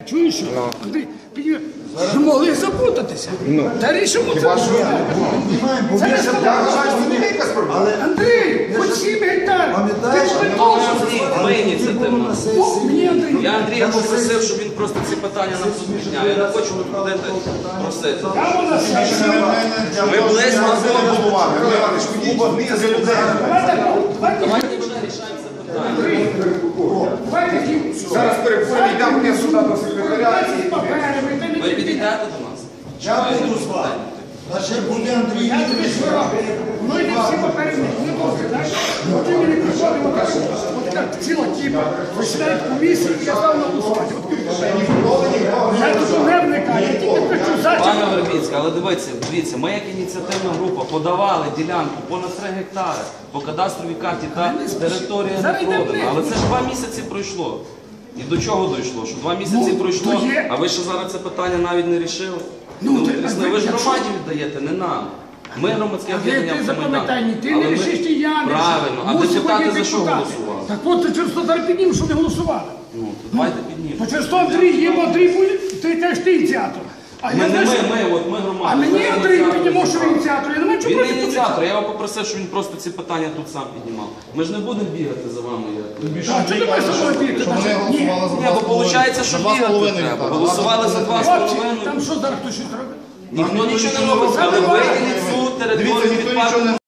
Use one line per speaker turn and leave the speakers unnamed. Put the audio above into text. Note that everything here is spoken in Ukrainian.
чуєш, що? Андрій, могли запутатися. Та рішимо це. Це не складно. Андрій, хоч 7 гектарів. Ти ж не должен.
Ми ініціативно.
Мені Андрій.
Я Андрія попросив, щоб він просто ці питання нам підняв. Я не хочу виходити просити. Ми близько зробимо. Давайте вже рішаємо це питання.
Зараз переходимо, йдемо сюди до секретаря.
Ви підійдете до нас?
Я буду з вами. Значить, буде Андрій Вікторович.
Ну йди всі папери, не можна, знаєш? От ти мені приходив, от така ціла кіпа, засідають комісії, і я став на голосувати. Я тут не вникаю, я тільки хочу зачем.
Пане Вербінський, але дивіться, ми як ініціативна група подавали ділянку понад 3 гектари по кадастровій карті та територія не продана. Але це ж 2 місяці пройшло. І до чого дійшло? Що 2 місяці пройшло, а ви ще зараз це питання навіть не рішили? Ви ж громаді віддаєте, не нам. Ми громадське об'єднання
Запам'ятай, ти не рішиш, і я не рішив.
Правильно, а депутати за що голосували?
Так от ти через то зараз піднімемо, що не голосували.
Ну, то давайте піднімемо.
То через то Андрій є, бо Андрій буде, ти кажеш, ти ініціатор. А
Ми
я
не
знаєш,
ми громада.
а мені Андрій піднімав, що він ініціатор, я не маю чого
Він не
проти.
ініціатор, я його попросив, щоб він просто ці питання тут сам піднімав. Ми ж не будемо бігати за вами.
А що ти маєш за що бігти? Ні,
Ні, бо виходить, що бігати треба. Голосували за 2,5.
там що зараз хтось щось робить?
Ніхто нічого не робить, але вийдіть цю територію під парком.